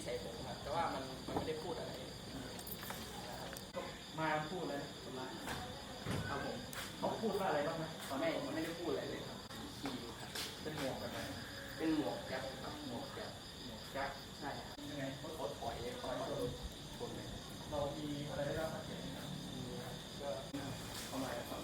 ใส่ผมครับแต่ว่ามันไม่ได้พูดอะไรก็มาพูดเลยคนร้ายครับผมเขาพูดว่าอะไรบ้างไหมตอนไม่ได้พูดอะไรเลยครับขี่ครับเป็นหมวกแบบไหนเป็นหมวกแก๊ปครับหมวกแก๊ปหมวกแก๊ปใช่ครับยังไงเขาถอยชนเลยเรามีอะไรได้รับบาดเจ็บไหมครับก็เข้ามาแล้วครับ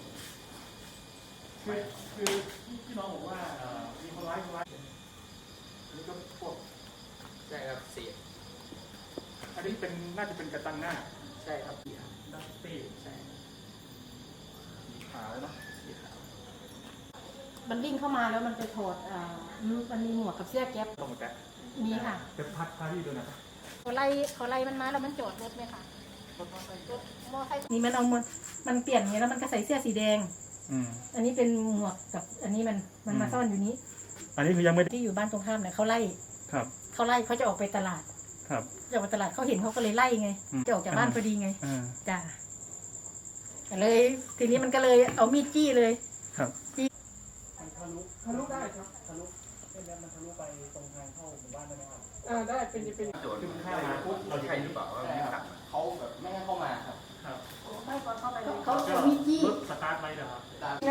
คือที่น้องบอกว่ามีคนร้ายนี่ก็พวกใช่ครับเสียอันนี้เป็นน่าจะเป็นกระตังหน้าใช่ครับเสียดัสตี้ใช่สีขาวเนาะสีขาวมันวิ่งเข้ามาแล้วมันไปถอดมันมีหมวกกับเสื้อแก๊ปต้องหมดแก๊ปมีค่ะจะพาที่ดูหน่อยเขาไล่มันมาแล้วมันจอดรถไหมคะรถมอเตอร์นี่มันเอามันเปลี่ยนอย่างนี้แล้วมันก็ใส่เสื้อสีแดงอันนี้เป็นหมวกกับอันนี้มันมาซ่อนอยู่นี้อันนี้คือยังไม่ที่อยู่บ้านตรงข้ามเนี่ยเขาไล่ครับเขาจะออกไปตลาดครับจะออกไปตลาดเขาเห็นเขาก็เลยไล่ไงจะออกจากบ้านพอดีไงจ้าเลยทีนี้มันก็เลยเอามีดจี้เลยครับจี้ทะลุได้ครับทะลุเส้นนี้มันทะลุไปตรงทางเข้าหมู่บ้านได้ไหมครับได้เป็นโจทย์ขึ้นข้ามาปุ๊บเราใช่หรือเปล่าว่าไม่ขับเขาแบบไม่ให้เข้ามาครับครับไม่ก่อนเข้าไปเขาเอามีดจี้รถสตาร์ทไหมเหรอครับ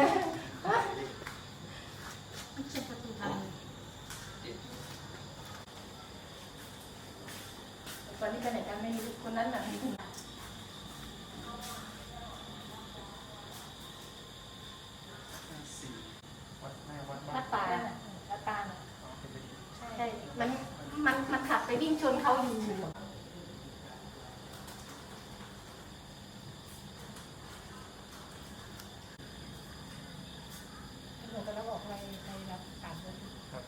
ตอนนี้ไปไหนกันไม่รู้คนนั้นน่ะมีถุงวัดแม่วัดวัดป่าวัดป่าเป็นไปดีใช่มันขับไปวิ่งชนเขาอยู่หนูก็แล้วบอกในรับการรถครับ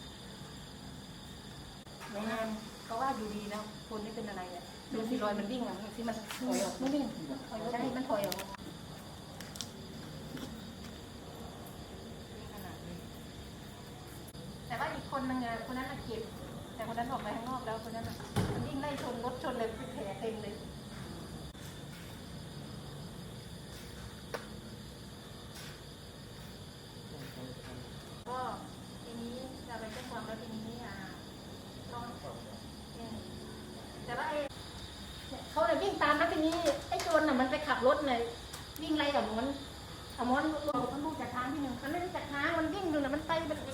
ในงานเขาว่าอยู่ดีนะคนไม่เป็นอะไรเนี่ยดูที่รอยมันวิ่งอ่ะที่มันถอยออกไม่วิ่งถอยใช่มันถอยออกแต่ว่าอีกคนนึงอ่ะคนนั้นเจ็บแต่คนนั้นออกไปข้างนอกแล้วคนนั้นมันวิ่งไล่ชนรถชนเลยเป็นแผลเต็มเลยก็ทีนี้จะไปแจ้งความแล้วทีนี้ต้องแต่ว่าเขาเลยวิ่งตามแล้วทีนี้ไอ้โจรน่ะมันไปขับรถเลยวิ่งไล่กับมันเอามันลูกจากทางที่หนึ่งมันไม่ได้จากทางมันวิ่งดูน่ะมันไปมัน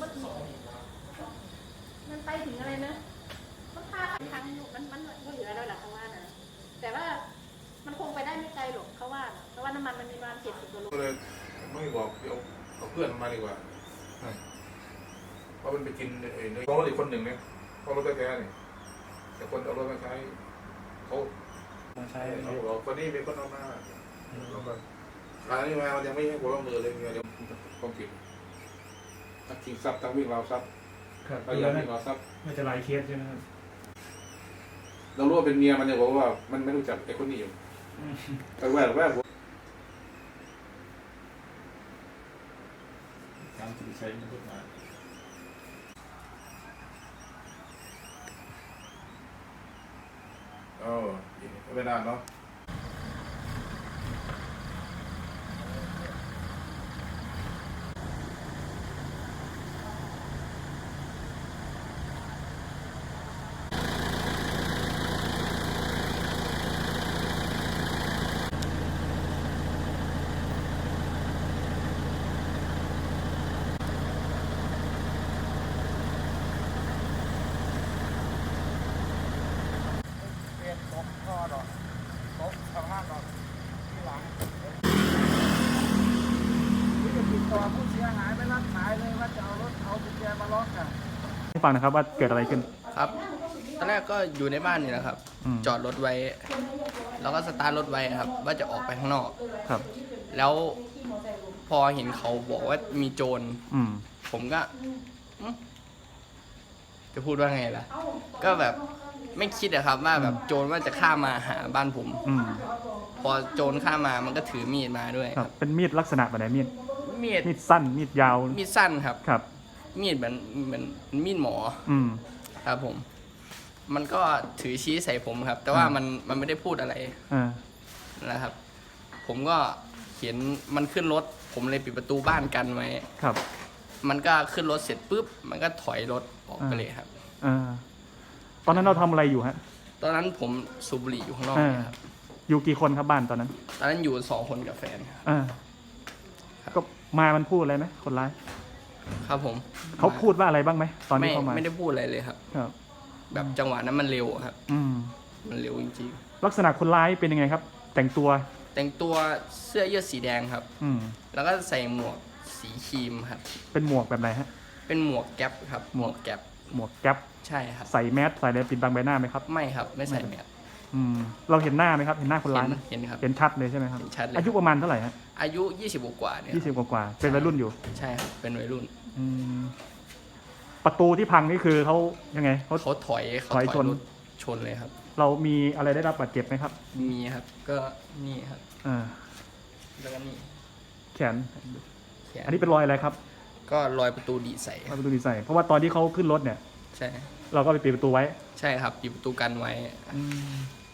ไปถึงอะไรนะมันพาไปทางมันก็เหลือแล้วแหละเขาว่านะแต่ว่ามันคงไปได้ไม่ไกลหรอกเขาว่าเพราะว่าน้ำมันมันมีประมาณ70 กิโลก็เลยไม่บอกเอาเพื่อนมาดีกว่าเพราะมันไปกินเนื้อรถอีกคนหนึ่งเนี่ยเขารถแท้ๆเนี่ยแต่คนเอารถมาใช้เขามาใช้เขาบอกคนนี้เป็นคนเอามาแล้วก็ร้านนี้มามันยังไม่ให้หัวมือเลยเดี๋ยวต้องผิดทั้งชิงทรัพย์ทั้งวิ่งราวทรัพย์ครับทั้งยังวิ่งราวทรัพย์มันจะหลายเคสใช่ไหมครับเรารู้ว่าเป็นเมียมันเนี่ยบอกว่ามันไม่รู้จักไอ้คนนี้อยู่แต่แวบการถือใช้มันกฎหมายไม่นานเนาะเปลี่ยนตกท่อดอกตกสภาพดอกที่หลังนี่จะติดต่อผู้เสียหายไม่รับสายเลยว่าจะเอารถเอากุญแจมาล็อกอ่ะให้ฟังนะครับว่าเกิดอะไรขึ้นครับตอนแรกก็อยู่ในบ้านนี่นะครับ จอดรถไว้ แล้วก็สตาร์ทรถไว้ครับ ว่าจะออกไปข้างนอกครับแล้วพอเห็นเขาบอกว่ามีโจร ผมก็จะพูดว่าไงล่ะ ก็แบบไม่คิดอะครับว่าแบบโจรว่าจะข้ามมาหาบ้านผม พอโจรข้ามมามันก็ถือมีดมาด้วยครับ เป็นมีดลักษณะแบบไหนมีดมีดมีดสั้นมีดยาวมีดสั้นครับครับมีดเหมือนมีดหมอ ครับผม มันก็ถือชี้ใส่ผมครับ แต่ว่ามันไม่ได้พูดอะไรนะครับ ผมก็เห็นมันขึ้นรถ ผมเลยปิดประตูบ้านกันไว้ครับมันก็ขึ้นรถเสร็จปุ๊บ มันก็ถอยรถออกไปเลยครับตอนนั้นเราทำอะไรอยู่ฮะตอนนั้นผมสูบบุหรี่อยู่ข้างนอกอ่านะครับอยู่กี่คนครับบ้านตอนนั้นตอนนั้นอยู่2 คนกับแฟนครับอ่าก็มามันพูดอะไรไหมคนร้ายครับผมเขาพูดว่าอะไรบ้างไหมตอนที่ไม่เข้ามาไม่ได้พูดอะไรเลยครับครับแบบจังหวะนั้นมันเร็วอะครับอืมมันเร็วจริงลักษณะคนร้ายเป็นยังไงครับ แต่งตัวๆ แต่งตัวเสื้อยืดสีแดงครับอืมแล้วก็ใส่หมวกสีครีมครับเป็นหมวกแบบไหนฮะเป็นหมวกแก๊ปครับ หมวกแก๊ปหมวกแก๊ปใช่ครับใส่แมสใส่อะไรปิดบังใบหน้าไหมครับไม่ครับ ไม่ใส่แมสอืม เราเห็นหน้าไหมครับ เห็นหน้าคนร้ายไหมเห็นครับเห็นชัดเลยใช่ไหมครับเห็นชัดเลยอายุประมาณเท่าไหร่ฮะอายุ20กว่าๆเนี่ย 20 กว่าๆเป็นวัยรุ่นอยู่ใช่ครับ เป็นวัยรุ่นอืม ประตูที่พังนี่คือเขายังไงเขาเขาถอยถอยชนรถชนเลยครับเรามีอะไรได้รับบาดเจ็บไหมครับมีครับ ก็นี่ครับอ่าแล้วก็นี่แขนแขนอันนี้เป็นรอยอะไรครับก็รอยประตูดีใส่รอยประตูดีใส่เพราะว่าตอนที่เขาขึ้นรถเนี่ยใช่เราก็ไปปิดประตูไว้ใช่ครับปิดประตูกันไว้